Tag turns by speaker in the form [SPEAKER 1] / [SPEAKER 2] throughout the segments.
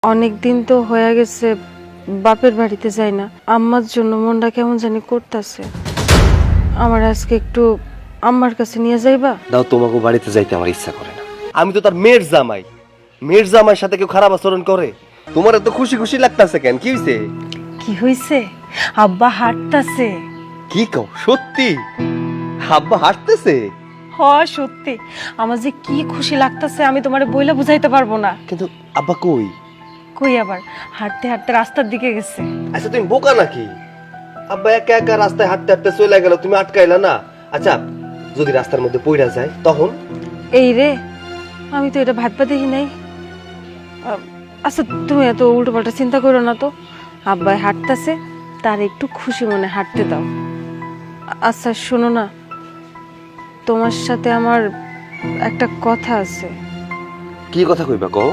[SPEAKER 1] অনেক দিন তো হয়ে গেছে বাপের বাড়িতে যাই না। আম্মার জন্য মনটা কেমন জানি করতেছে। আমার আজকে একটু আম্মার কাছে নিয়ে যাইবা?
[SPEAKER 2] দাও, তোমাকে বাড়িতে যাইতে আমার ইচ্ছা করে না। আমি তো তার মেয়ের জামাই। মেয়ের জামাইয়ের সাথে কেউ খারাপ আচরণ করে? তোমার এত খুশি খুশি লাগতাছে কেন? কি হইছে?
[SPEAKER 1] কি হইছে? আব্বা হাঁটতাছে।
[SPEAKER 2] কি কও? সত্যি আব্বা হাঁটতেছে?
[SPEAKER 1] হ, সত্যি। আমার যে কি খুশি লাগতাছে আমি তোমারে বইলা বুঝাইতে পারবো না।
[SPEAKER 2] কিন্তু আব্বা কই?
[SPEAKER 1] কই আবার, হাঁটতে হাঁটতে রাস্তার দিকে গেছে।
[SPEAKER 2] আচ্ছা, তুমি বোকা নাকি? আব্বা একা একা রাস্তায় হাঁটতে হাঁটতে চলে গেল, তুমি আটকাইলা না? আচ্ছা, যদি রাস্তার মধ্যে পইড়া যায় তখন?
[SPEAKER 1] এই রে, আমি তো এটা ভাববা দেখি নাই। আচ্ছা, তুমি এত উল্টো পাল্টা চিন্তা করো না তো। আব্বাই হাঁটতেছে, তার একটু খুশি মনে হাঁটতে দাও। আচ্ছা শোনো না, তোমার সাথে আমার একটা কথা আছে।
[SPEAKER 2] কি কথা কইবা কও?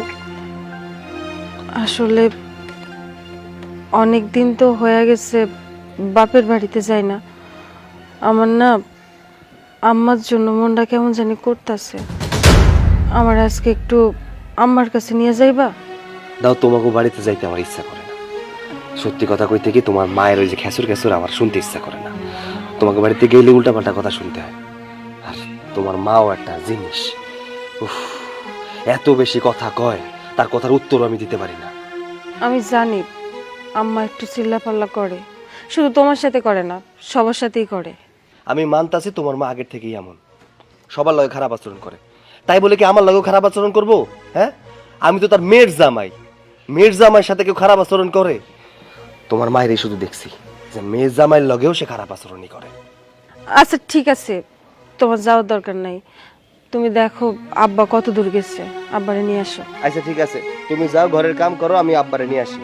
[SPEAKER 1] আসলে অনেক দিন তো হয়ে গেছে বাপের বাড়িতে যাই না। আমার না আম্মার জন্য মনটা কেমন জানি করতেছে। আমার আজকে একটু আম্মার কাছে নিয়ে যাইবা?
[SPEAKER 2] দাও, তোমাকে বাড়িতে যাইতে আমার ইচ্ছা করে না। সত্যি কথা কইতে কি, তোমার মায়ের ওই যে খেসুর খেসুর আমার শুনতে ইচ্ছা করে না। তোমাকে বাড়িতে গেলে উল্টাপাল্টা কথা শুনতে হয়। আর তোমার মাও একটা জিনিস, উফ, এত বেশি কথা কয়, তার কথার উত্তর আমি দিতে পারি না।
[SPEAKER 1] আমি জানি আম্মা একটু চিল্লাপাল্লা করে, শুধু তোমার সাথে করে না, সবার সাথেই করে।
[SPEAKER 2] আমি মানতাছি তোমার মা আগের থেকেই এমন, সবার লগে খারাপ আচরণ করে। তাই বলে কি আমার লগেও খারাপ আচরণ করবো? হ্যাঁ, আমি তো তার মেয়ের জামাই। মেয়ের জামাইয়ের সাথে কেউ খারাপ আচরণ করে? তোমার মায়েরই শুধু দেখছি যে মেয়ের জামাইয়ের লগেও সে খারাপ আচরণই করে।
[SPEAKER 1] আচ্ছা ঠিক আছে, তোমার যাওয়ার দরকার নাই। তুমি দেখো আব্বা কত দূর গেছে, আব্বারে নিয়ে আসো।
[SPEAKER 2] আচ্ছা ঠিক আছে, তুমি যাও, ঘরের কাম করো, আমি আব্বারে নিয়ে আসি।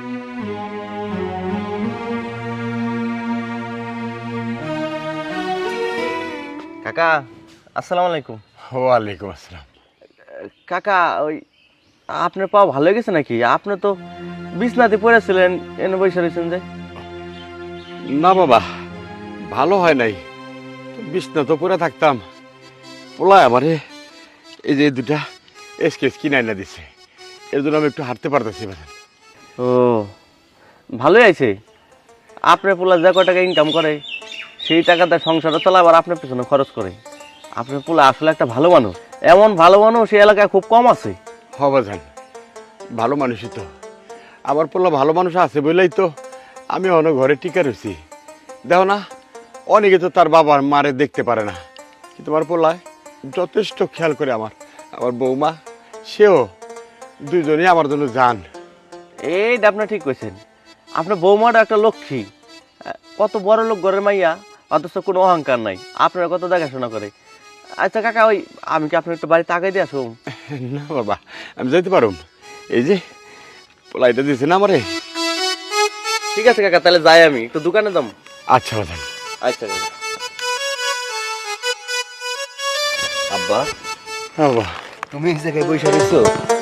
[SPEAKER 2] কাকা, আসসালামু আলাইকুম।
[SPEAKER 3] ওয়ালাইকুম আসসালাম।
[SPEAKER 2] কাকা, ওই আপনার পা ভালো হয়ে গেছে নাকি? আপনি তো বিছনাতে পড়েছিলেন, এনে বসে রয়েছেন যে?
[SPEAKER 3] না বাবা, ভালো হয় নাই। বিছনা তো পরে থাকতাম, পোলায় আমারে এই যে দুটা স্কেচ কিনে না দিছে, এর জন্য আমি একটু হাঁটতে পারতেছি।
[SPEAKER 2] ও, ভালোই আছে। আপনার পোলা যা কয় টাকা ইনকাম করে সেই টাকাতে সংসারটা চলা, আবার আপনার পেছনে খরচ করে। আপনার পোলা আসলে একটা ভালো মানুষ। এমন ভালো মানুষ এই এলাকায় খুব কম আছে।
[SPEAKER 3] হবা যান, ভালো মানুষই তো। আমার পোলা ভালো মানুষ আছে বলেই তো আমি অনেক ঘরে টিকা রয়েছি। দেখো না, অনেকে তো তার বাবার মারে দেখতে পারে না, কিন্তু আমার পোলায় যথেষ্ট খেয়াল করে। আমার বৌমা, সেও, দুইজনেই আমার জন্য যান।
[SPEAKER 2] এইটা আপনার ঠিক কইছেন। আপনার বৌমাটা একটা লক্ষ্মী, কত বড় লোক ঘরের মাইয়া, অথচ কোনো অহংকার নাই, আপনার কত দেখাশোনা করে। আচ্ছা কাকা, ওই আমি কি আপনার একটু বাড়িতে আগে দিয়ে আসুন?
[SPEAKER 3] না বাবা, আমি যাইতে পারুম। এই যে পোলাইটা দিয়েছে না আমারে।
[SPEAKER 2] ঠিক আছে কাকা, তাহলে যাই, আমি একটু দোকানে যাম।
[SPEAKER 3] আচ্ছা বাদান।
[SPEAKER 2] আচ্ছা কাকা। আব্বা,
[SPEAKER 3] হ্যাঁ বাবা,
[SPEAKER 2] তুমি এই জায়গায় বসে রয়েছো?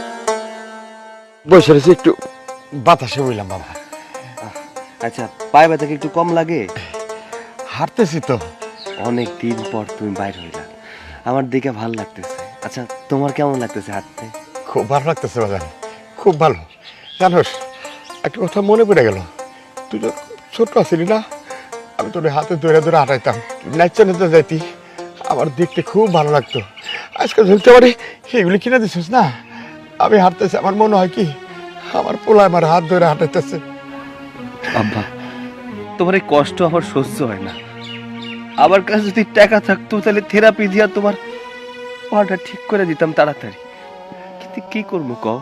[SPEAKER 3] বসে রয়েছি, একটু বাতাসে বললাম বাবা।
[SPEAKER 2] আচ্ছা, পায়ে ব্যথা কি একটু কম লাগে?
[SPEAKER 3] হাঁটতেছি তো।
[SPEAKER 2] অনেক দিন পর তুমি বাইরে হইলা, আমার দেখে ভালো লাগতেছে। আচ্ছা, তোমার কেমন লাগতেছে হাঁটতে?
[SPEAKER 3] খুব ভালো লাগতেছে বাজান, খুব ভালো। জানোস, একটা কথা মনে পড়ে গেল। তুই তো ছোট্ট আছিলি না, আমি তোর হাতে ধরে ধরে হাঁটাইতাম, নাচতে নাচতে যাইতি, আমার দেখতে খুব ভালো লাগতো। আজকে ধরতে পারি সেগুলি কিনে দিছিস না, আমি হাঁটতেছি, আমার মনে হয় কি আমার পোলা আমার হাত ধরে হাঁটাইতেছে।
[SPEAKER 2] আব্বা, তোমার এই কষ্ট আমার সহ্য হয় না। আমার কাছে যদি টাকা থাকতো তাহলে থেরাপি দিয়া তোমার পাটা ঠিক করে দিতাম তাড়াতাড়ি। কিন্তু কি করবো কও,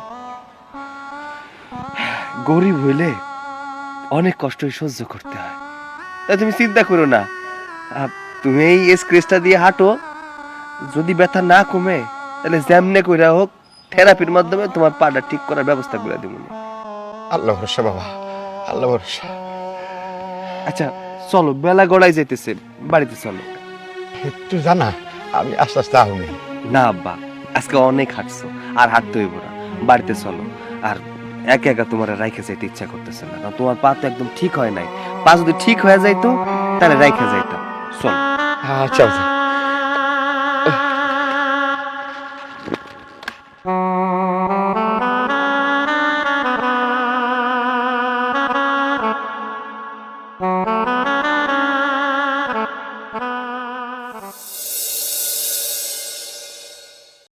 [SPEAKER 2] গরিব হইলে অনেক কষ্টই সহ্য করতে হয়। তা তুমি চিন্তা করো না, তুমি এই স্ক্রেচটা দিয়ে হাঁটো, যদি ব্যথা না কমে তাহলে যেমনে কইরা হোক থেরাপির মাধ্যমে তোমার পাটা ঠিক করার ব্যবস্থা করে দিব।
[SPEAKER 3] আল্লাহ ভরসা বাবা, আল্লাহ ভরসা।
[SPEAKER 2] আচ্ছা চলো, বেলা গড়াই যাইতেছে, বাড়িতে চলো।
[SPEAKER 3] তুই জানা আমি আস্তে আস্তে আহুনি।
[SPEAKER 2] না আব্বা, আজকে অনেক হাঁটছো, আর হাঁটতে হইব না, বাড়িতে চলো। আর একা একা তোমার রাইখে যাইতে ইচ্ছা করতেছে না, কারণ তোমার পা তো একদম ঠিক হয় নাই। পা যদি ঠিক হয়ে যাইতো তাহলে রাইখে যাইতাম। চলো।
[SPEAKER 3] আচ্ছা